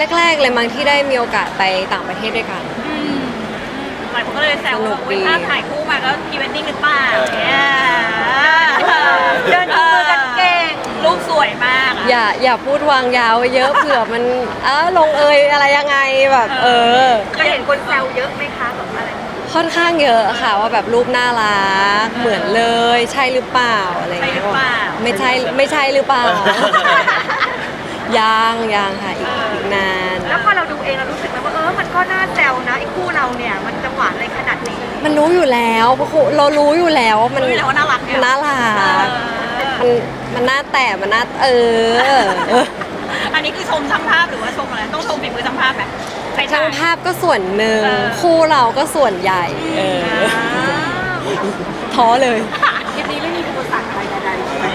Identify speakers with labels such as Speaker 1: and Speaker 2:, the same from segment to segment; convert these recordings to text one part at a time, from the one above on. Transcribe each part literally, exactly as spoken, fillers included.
Speaker 1: แรกๆเลยมั้งที่ได้มีโอกาสไปต่างประเทศด้วยกัน
Speaker 2: อืมหลายคนก็เลยแซวว่าอุ๊ยภาพถ่ายคู่มาก็พรีเวดดิ้งหรือเปล่าเนี่ยเดินจูงมือกันเก่งรูปสวยมากอะ
Speaker 1: อย่าอย่าพูดวางยาวไว้เยอะ เผื่อมันเออลงเอยอะไรยังไงแบบเออ
Speaker 2: เคยเห็นคนแซวเยอะไหมคะแบบอะไร
Speaker 1: ค่อนข้างเยอะค่ะว่าแบบรูปน่ารักเหมือนเลยใช่หรือเปล่าอะไร
Speaker 2: ใช่
Speaker 1: เงี้
Speaker 2: หรื
Speaker 1: ย
Speaker 2: อเปล่า
Speaker 1: ไม่ใช่ไม่ใช่หรือเปล่า ยังยังค่ะอีกอีกนาน
Speaker 3: แล้วพอเราดูเองเรารู้สึกไหมว่าเออมันก็น่าแซวนะไอ้คู่เราเนี่ยมันจะหวานอะไรขนาดนี้
Speaker 1: มันรู้อยู่แล้วเพราะเรารู้อยู่แล้วว่ามัน
Speaker 2: รู้อยู่แล้วว่าน่ารักเนี่ย
Speaker 1: น่ารัก
Speaker 2: เอ
Speaker 1: มัน
Speaker 2: อ
Speaker 1: มันน่าแต่มันน่าเออ
Speaker 2: อันนี้คือชมช่างภาพหรือว่าชมอะไรต้องชมฝีมือช่างภาพไหมใคร
Speaker 1: ช่างภาพก็ส่วนหนึ่ง
Speaker 2: เออ
Speaker 1: คู่เราก็ส่วนใหญ่เออท้อเลย
Speaker 3: คลิปนี้ไม่มีอุปสรรคอะไรใดๆใช่ไหม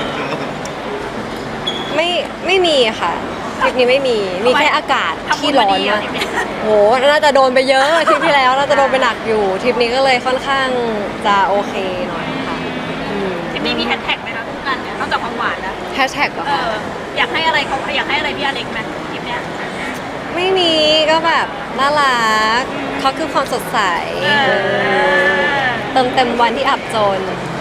Speaker 1: ไม่ไม่มีค่ะทริปนี้ไม่มีมีแค่อากาศที่ร้อนมากโหน่าจะโดนไปเยอะทริปที่แล้วน่าจะโดนไปหนักอยู่ทริปนี้ก็เลยค่อนข้างจะโอเคหน่อยค่ะ
Speaker 2: ทีนี้มีแฮชแท็กไหมคะคู่กันเนี่ยนอกจากความหวานแล้ว
Speaker 1: แฮชแท็กเหรอ
Speaker 2: เอ
Speaker 1: คะ
Speaker 2: ออยากให้อะไรเขาอยากให้อะไรพี่อเล็กไหมคลิปเนี้ย
Speaker 1: ไม่มีก็แบบน่ารักเขาคือความสดใส
Speaker 2: เออ
Speaker 1: เติมเต็มวันที่อับจน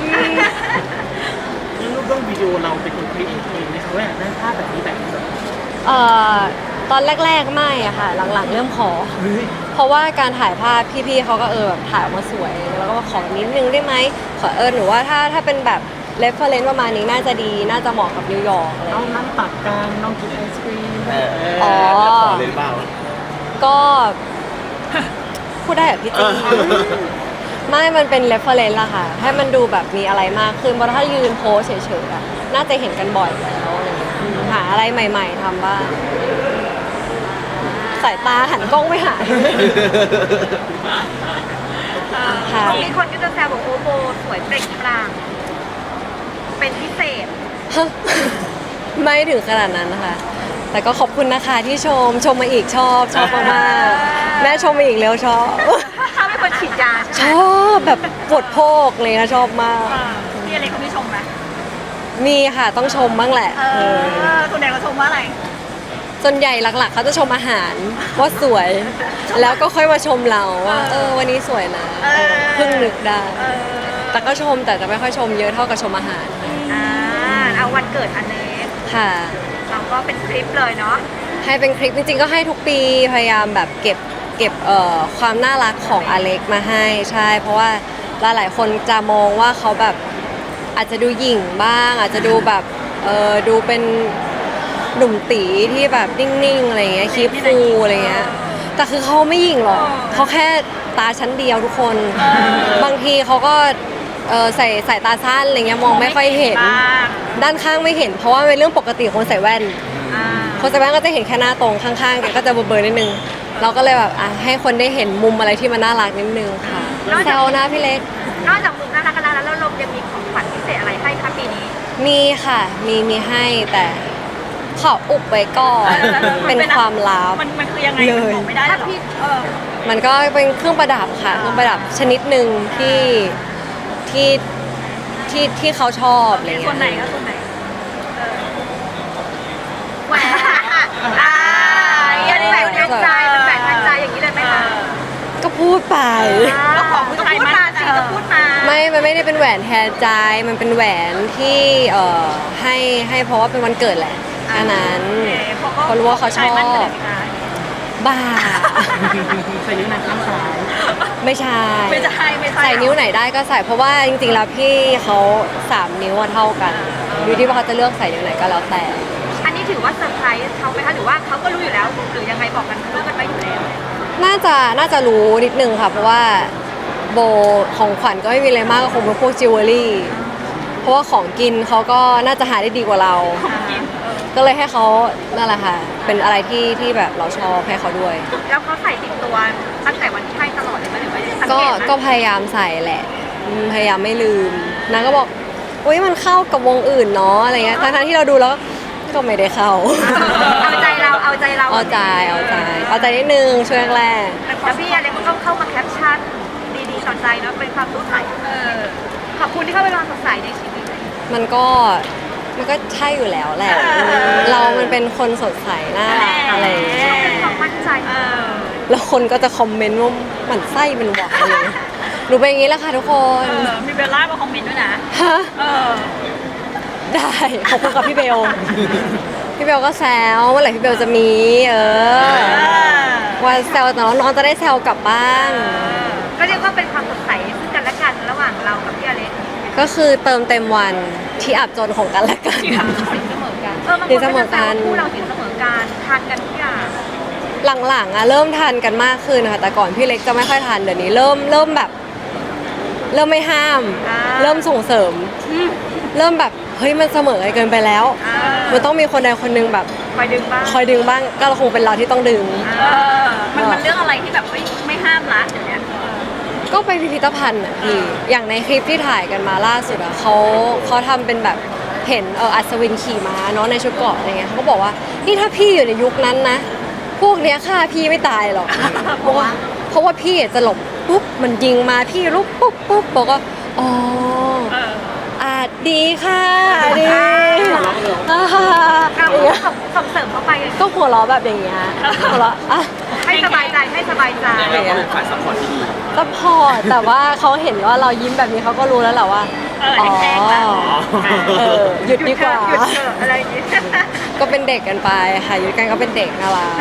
Speaker 4: แล้วรูปเรื่องวิดีโอเราเป็นคนครีเอทเองไหมคะว่าอยากได้ภาพแบบนี้แบบนี้แบบนี้
Speaker 1: เอ่อตอนแรกๆไม่อะค่ะ หลังๆเริ่มขอ
Speaker 4: เฮ้ย
Speaker 1: เพราะว่าการถ่ายภาพพี่ๆเขาก็เออแบบถ่ายออกมาสวย แล้วก็มาขอนิดนึงได้ไหมขอเออหรือว่าถ้าถ้าเป็นแบบเรฟเฟอเรนซ์ประมาณนี้น่าจะดีน่าจะเหมาะกับนิวยอร์กอะไรอ
Speaker 4: น้อย่าง
Speaker 1: ง
Speaker 4: ง
Speaker 1: เงี้ย
Speaker 4: นั่งตักกันน้องกินไอศครีม
Speaker 5: เออ
Speaker 1: อ๋อ
Speaker 5: แล้วขอเลยหรือเปล่า
Speaker 1: ก็ พูดได้แบบพี่จี
Speaker 5: เออ
Speaker 1: ไม่มันเป็นเรฟเฟอเรนซ์ละค่ะ ให้มันดูแบบมีอะไรมากขึ้นเพราะถ้ายืนโพสเฉยๆอะน่าจะเห็นกันบ่อยแล้วอะไรเงี้ยหาอะไรใหม่ ๆทำบ้างสายตาหันกล้องไม่หายค่ะ
Speaker 3: มีคนก็จะแซวบอกโอโบสวยเปล่งปลั่งเป็นพิเศษ
Speaker 1: ไม่ถึงขนาดนั้นนะคะ แต่ก็ขอบคุณนะคะที่ชม ชมมาอีกชอบ ชอบมากๆแม่ชมมาอีกแล้วชอบ
Speaker 3: ถ้าเป็นคนฉีดยาใช่ไห
Speaker 1: ช
Speaker 3: ม
Speaker 1: อบแบบปวดโพกเลยนะชอบมาก
Speaker 2: เออพี่อเล็กเขาไม่ชมไหม
Speaker 1: มีค่ะต้องชมบ้างแหละ
Speaker 2: เอ
Speaker 1: เออ
Speaker 2: อส่วนใหญ่เขาชมว่าอะไร
Speaker 1: ส่วนใหญ่หลักๆเขาจะชมอาหารว่าสวย แล้วก็ค่อยมาชมเราว่าเออวันนี้สวยนะ
Speaker 2: เออ
Speaker 1: เพิ่งนึกได้
Speaker 2: เออ
Speaker 1: แต่ก็ชมแต่จะไม่ค่อยชมเยอะเท่ากับชมอาหาร
Speaker 3: อ่าเอาวันเกิดอันนี้
Speaker 1: ค่ะ
Speaker 3: เราก็เป็นคลิปเลยเนาะ
Speaker 1: ให้เป็นคลิปจริงๆก็ให้ทุกปีพยายามแบบเก็บเก็บเอ่อความน่ารักของอเล็กมาให้ใช่ เพราะว่าหลายๆคนจะมองว่าเขาแบบอาจจะดูหยิ่งบ้าง อาจจะดูแบบเออดูเป็นหนุ่มตีที่แบบนิ่งๆอะไรเงี้ยคีบฟูอะไรเงี้ยแต่คือเขาไม่หยิ่งหรอกเขาแค่ตาชั้นเดียวทุกคน บางทีเขาก็เออใส่สายตาสั้นอะไรเงี้ยมองไม่ค่อยเห็น
Speaker 2: บ้าง
Speaker 1: ด้านข้างไม่เห็น เพราะว่าเป็นเรื่องปกติคนใส่แว่น
Speaker 3: อ่า
Speaker 1: คนใส่แว่นก็จะเห็นแค่หน้าตรงข้างๆแกก็จะเบลอๆนิดนึง เราก็เลยแบบอ่ะให้คนได้เห็นมุมอะไรที่มันน่ารักนิดนึงค่ะแซวนะพี่เล็ก
Speaker 3: นอกจากมุมน่ารักกันแล้วแล้วเรายังมีของขวัญพิเศษอะไรให้คะปีนี้
Speaker 1: มีค่ะ มีมีให้แต่ขออุบไว้ก่อน เป็นความลับ
Speaker 2: มันมันคือยังไง
Speaker 1: เลย
Speaker 2: มันบอกไม่ได้หร
Speaker 3: ถ้า
Speaker 2: อ
Speaker 3: พี่
Speaker 2: เออ
Speaker 1: มันก็เป็นเครื่องประดับค่ะ เครื่องประดับชนิดหนึ่งที่ที่ที่ที่เขาชอบอะไร
Speaker 2: ส่
Speaker 1: เงี้
Speaker 2: วนไหน
Speaker 1: ย
Speaker 2: ก็ส่วนไหน
Speaker 3: แหวนอ่ายันแหวนแทนใจเป็นแหวนแทนใจอย่างนี้เลยไหมคะ
Speaker 1: ก็พูดไป
Speaker 2: แล้วของผู้ชาย
Speaker 3: พูด
Speaker 2: มัน
Speaker 3: มาสิก็พูดมา
Speaker 1: ไม่มันไม่ได้เป็นแหวนแทนใจ มันเป็นแหวนที่เอ่อให้ให้เพราะว่าเป็นวันเกิดแหละแค่นั้นเขารู้ว่าเขาชอบ บ้า
Speaker 4: ใส่นิ้วนางข้างซ้าย
Speaker 1: ไม่ใช่
Speaker 2: ไม่ใช่ไม่ใช่
Speaker 1: ใส่นิ้วไหนได้ก็ใส่เพราะว่าจริงๆแล้วพี่เขาสามนิ้วอะเท่ากันอยู่ที่ว่าเขาจะเลือกใส่นิ้วไหนก็แล้วแต่
Speaker 3: อันนี้ถือว่าเซอร์ไพรส์เขาไหมคะหรือว่าเขาก็รู้อยู่แล้วหรือยังไงบอกกันรู้กันไว้อยู่แล้ว
Speaker 1: น่าจะน่าจะรู้นิดนึงค่ะ เพราะว่าโบของขวัญก็ไม่มีอะไรมากก็คงเป็นพวกจิวเวลรี่เพราะว่าของกินเขาก็น่าจะหาได้ดีกว่าเรา
Speaker 2: กินเออ
Speaker 1: ก็เลยให้เขานั่นแหละค่ะ เป็นอะไรที่ที่แบบเราชอบให้เขาด้วย
Speaker 3: แล้วเขาใส่ติดตัวตั้งแต่วันที่ให้ตลอดเลยไหมหรือว่าสัง
Speaker 1: ก็
Speaker 3: เกตไหม
Speaker 1: ก็พยายามใส่แหละอืมพยายามไม่ลืมนางก็บอกอุ้ยมันเข้ากับวงอื่นเนาะอะไรเงี้ยทั้งๆที่เราดูแล้วก็ไม่ได้เข้า
Speaker 3: เอาใจเราเอาใจเรา
Speaker 1: เอาใจเอาใจเอาใจนิดนึงช่วงแรก
Speaker 3: แล้วพี่อะไรก็ต้องเข้ามาแคปชั่นดีๆสอนใจเนาะเป็นความรู้ใส
Speaker 2: เออ
Speaker 3: ขอบคุณที่เข้าไปวางสดใสในชีวิต
Speaker 1: มันก็มันก็ใช่อยู่แล้วแหละ เรามันเป็นคนสดใสน่ารักอะไรอย่างเงี้ย
Speaker 3: เป็นความมั่นใจ
Speaker 2: เออ
Speaker 1: แล้วคนก็จะคอมเมนต์ว่าหมันไส้เป็นหวานเลยหนูเป็นอย่างนี้แหละค่ะทุกคน
Speaker 2: เออมีเบลล่ามาคอมเมนต์ด้วยนะ
Speaker 1: ฮะ
Speaker 2: เออ
Speaker 1: ได้ขอบคุณกับพี่เบล พี่เบลก็แซวเมื่อไหร่พี่เบลจะมี เออ ว่าแซวแต่น้องๆจะได้แซวกลับบ้าง
Speaker 3: ก็เรียกว่าเป็นความสดใสซึ่งกันและกันระหว่างเรากับพี่อเล็ก
Speaker 1: ก็คือเติมเต็มวันที่อับจนของกันและกัน
Speaker 3: สินเสมอกันเออบางคนก็จะแซวว่าคู่เราสินเสมอกันทานกันทุกอย่าง
Speaker 1: หลังๆอะเริ่มทานกันมากขึ้นนะคะแต่ก่อนพี่เล็กจะไม่ค่อยทานเดี๋ยวนี้เริ่มเริ่มแบบ เริ่มไม่ห้าม
Speaker 3: อ่า
Speaker 1: เริ่มส่งเสริม เริ่มแบบเฮ้ยมันเสมอกันเกินไปแล้ว
Speaker 3: อ่า
Speaker 1: มันต้องมีคนใดคนหนึงแบบ
Speaker 3: คอยดึงบ้าง
Speaker 1: คอยดึงบ้างก็คงเป็นเราที่ต้องดึง
Speaker 2: เออ มันมันเรื่องอะไรที่แบบไม่ไม่ห้ามละเดี๋ยวเนี้ย
Speaker 1: ก็ไปพิพิธภัณฑ์อ่ะพี่อย่างในคลิปที่ถ่ายกันมาล่าสุดอ่ะเขาเขาทำเป็นแบบเห็นเอออัศวินขี่ม้าเนาะในชุดเกราะอะไรเงี้ยเขาก็บอกว่านี่ถ้าพี่อยู่ในยุคนั้นนะ พวกเนี้ยฆ่าพี่ไม่ตายหรอก เพราะว่าเพราะว่าพี่จะหลบปุ๊บมันยิงมาพี่ลุกปุ๊บปุ๊บบอกว่าอ๋อ
Speaker 2: เออ
Speaker 1: อาจดีค่ะดีอ่า
Speaker 3: เรา
Speaker 1: อย่างเงี้ย
Speaker 3: ส่งส่งเสริมเข้าไป
Speaker 1: ก็หัวเราะแบบอย่างเงี้ยหัวเราะอ่ะ
Speaker 3: ให้สบายใจให้สบายใจ
Speaker 4: เราก็เป็นฝ่ายซัพพอร์ตที่ดี
Speaker 1: ซัพพอร์ตแต่ว่าเขาเห็นว่าเรายิ้มแบบนี้เขาก็รู้แล้วแหละว่า
Speaker 2: เออแห้งๆแล้ว
Speaker 1: เออหยุดดีกว่า
Speaker 3: หยุดเถอะอะไรอย่างงี้
Speaker 1: ก็เป็นเด็กกันไปค่ะหยุดกันก็เป็นเด็กน่ารัก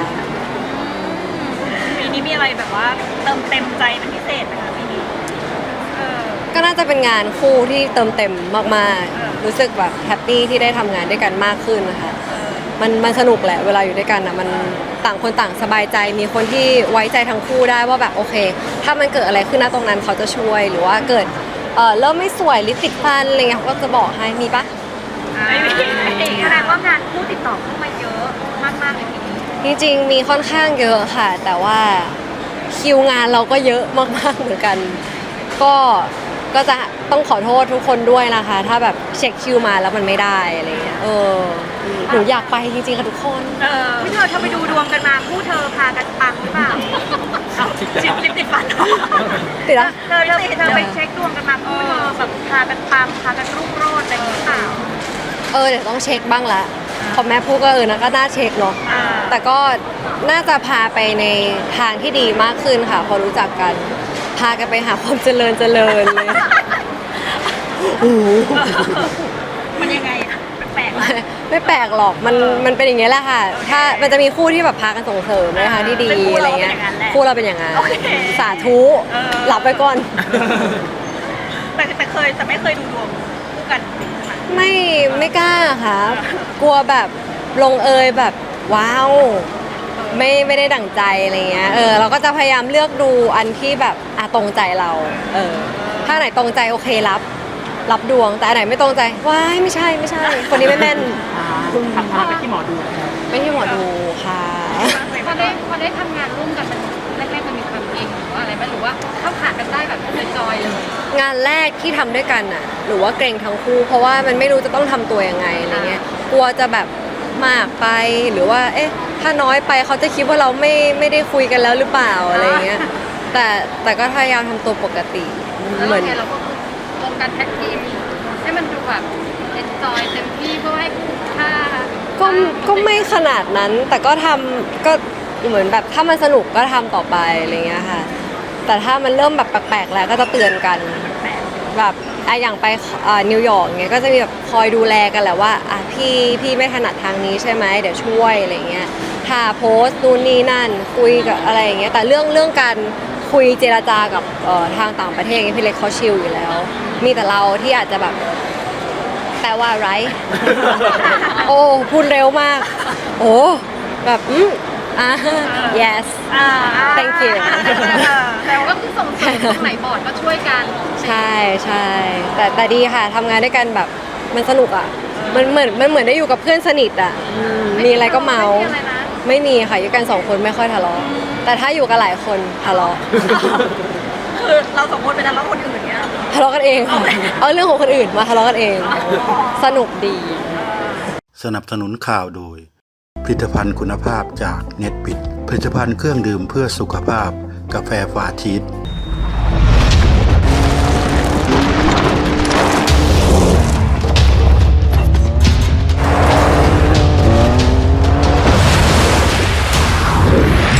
Speaker 2: ปีนี้มีอะไรแบบว่าเติมเต็มใจเป็นพิเศษไหมคะปีนี้ เออ
Speaker 1: ก็น่าจะเป็นงานคู่ที่เติมเต็มมาก
Speaker 2: เออ
Speaker 1: ๆ รู้สึกแบบแฮปปี้ที่ได้ทำงานด้วยกันมากขึ้นนะคะมันมันสนุกแหละเวลาอยู่ด้วยกันนะมันต่างคนต่างสบายใจมีคนที่ไว้ใจทั้งคู่ได้ว่าแบบโอเค ถ้ามันเกิดอะไรขึ้นนะตรงนั้นเขาจะช่วยหรือว่าเกิดเออเริ่มไม่สวยลิปติดฟันอะไรเงี้ยเขาก็จะบอกให้มีปะ
Speaker 2: ไม่มีไม่มี
Speaker 3: แสดงว่างานคู่ติดต่อเข้ามาเยอะมากๆเลยทีนี้
Speaker 1: จริงๆมีค่อนข้างเยอะค่ะ แต่ว่าคิวงานเราก็เยอะมากๆเหมือนกัน ก็ก็จะต้องขอโทษทุกคนด้วยนะคะ ถ้าแบบเช็คคิวมาแล้วมันไม่ได้อะไรเงี้ยเออหนูอยากไปจริงๆค่ะทุกคน
Speaker 2: เออ
Speaker 3: พี่เธอเธอไปดูดวงกันมาคู่เธอพากันปังหรือเปล่า
Speaker 2: เอาจิบลิปติดฟันเหรอ
Speaker 1: ติดละ
Speaker 3: เธอเธอเธอไปเช็คดวงกันมาคู่เธอแบบพากันปังพากันรุ่งโรจน์อะไรอย่างนี้เปล่า
Speaker 1: เออเดี๋ยวต้องเช็คบ้างละพอแม่พูดก็เออนะก็น่าเช็คเนาะ
Speaker 2: อ่า
Speaker 1: แต่ก็น่าจะพาไปในทางที่ดีมากขึ้นค่ะ พอรู้จักกัน พากันไปหาความเจริญเจริญเลยโอ้โห
Speaker 2: มันยังไงอะแปลกๆละ
Speaker 1: ไม่แปลกหรอกมันมันเป็นอย่างเงี้ยแหละค่ะ ถ้ามันจะมีคู่ที่แบบพากันส่งเสริมในทางที่ดี
Speaker 2: ซึ่งคู่
Speaker 1: อะไร
Speaker 2: เรา
Speaker 1: เงี้ย
Speaker 2: เป็นอย่างนั้นแหละ
Speaker 1: คู่เราเป็นอย่างนั้น
Speaker 2: โอเค
Speaker 1: สาธุ
Speaker 2: เออ
Speaker 1: หลับไปก่อน
Speaker 2: แต่แต่เคยแต่ไม่เคยดูดวงคู่กันจริงใช่ไหม
Speaker 1: ไม่ไม่กล้าค่ะ กลัวแบบลงเอยแบบว้าว ไม่ไม่ได้ดั่งใจอะไรเงี้ย เออเราก็จะพยายามเลือกดูอันที่แบบอ่ะตรงใจเรา เออ ถ้าไหนตรงใจโอเครับ รับดวง แต่อันไหนไม่ตรงใจว้ายไม่ใช่ไม่ใช่ คนนี้ไม่แม่น
Speaker 4: ทำพาไปที่หมอดู
Speaker 1: ไม่ใช่หมอดูค่ะ
Speaker 5: พอได้พอได้ทำงานร่วมกันมันแรกๆมันมีความเกรงหรือว่าอะไรไหมหรือว่าเข้าขากันได้แบบจอยๆเลย
Speaker 1: งานแรกที่ทำด้วยกันน่ะหรือว่าเกรงทั้งคู่ เพราะว่ามันไม่รู้จะต้องทำตัวยังไงอะไรเงี้ย กลัวจะแบบมากไปหรือว่า เอ๊ะ ถ้าน้อยไปเขาจะคิดว่าเราไม่ไม่ได้คุยกันแล้วหรือเปล่าอะไรเงี้ย แต่แต่ก็พยายามทำตัวปกติ
Speaker 5: แล้ว
Speaker 1: เหมือน
Speaker 5: เนี่ยเราก็รวมกันแท็กทีมให้มันดูแบบเอนจอยเต็มที่เพื่อให้ค่า
Speaker 1: ก็ก็ไม่ขนาดนั้น แต่ก็ทำก็เหมือนแบบถ้ามันสนุกก็ทำต่อไปอะไรเงี้ยค่ะ แต่ถ้ามันเริ่มแบบแปลกๆแล้วก็จะเตือนกัน แบบอ่ะอย่างไปอ่านิวยอร์กเงี้ยก็จะมีแบบคอยดูแลกันแหละว่าอ่ะพี่พี่ไม่ถนัดทางนี้ใช่ไหมเดี๋ยวช่วยอะไรเงี้ยถ้าโพสต์นู่นนี่นั่นคุยกับอะไรอย่างเงี้ยแต่เรื่องเรื่องการคุยเจรจากับเอ่อทางต่างประเทศเงี้ยพี่เล็กเขาชิลอยู่แล้ว มีแต่เราที่อาจจะแบบแปลว่าไร โอ้พูดเร็วมาก โอ้แบบอืมอ่า yes
Speaker 2: อ่า
Speaker 1: thank you
Speaker 5: แต่ก็คือส่งเสริมตรงไหนบอร์ดก็ช่วยกัน
Speaker 1: ใช่ใช่แต่แต่ดีค่ะทำงานด้วยกันแบบมันสนุกอ่ะ มันเหมือนมันเหมือนได้อยู่กับเพื่อนสนิทอ่ะอืมมีอะไรก็เมา
Speaker 5: ไม่มีอะไรนะ
Speaker 1: ไม่มีค่ะอยู่กันสองคนไม่ค่อยทะเลาะแต่ถ้าอยู่กันหลายคนทะเลาะ
Speaker 2: คือเราสองคนเป็นนักร้องคนอื่นเนี่ย
Speaker 1: ทะเลาะกันเองค่ะเอาเรื่องของคนอื่นมาทะเลาะกันเอง สนุกดี
Speaker 6: สนับสนุนข่าวโดย ผลิตภัณฑ์คุณภาพจากเน็ตบิดผลิตภัณฑ์เครื่องดื่มเพื่อสุขภาพกาแฟฟาชีส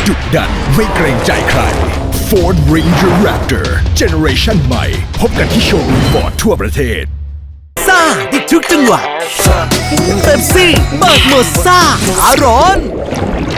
Speaker 7: ดุดันไม่เกรงใจใคร Ford Ranger Raptor Generation ใหม่พบกันที่โชว์รูมฟอร์ดทั่วประเทศ
Speaker 8: ซ่าติดทุกจังหวะเป๊ปซี่เบิกหมดซ่าอารอน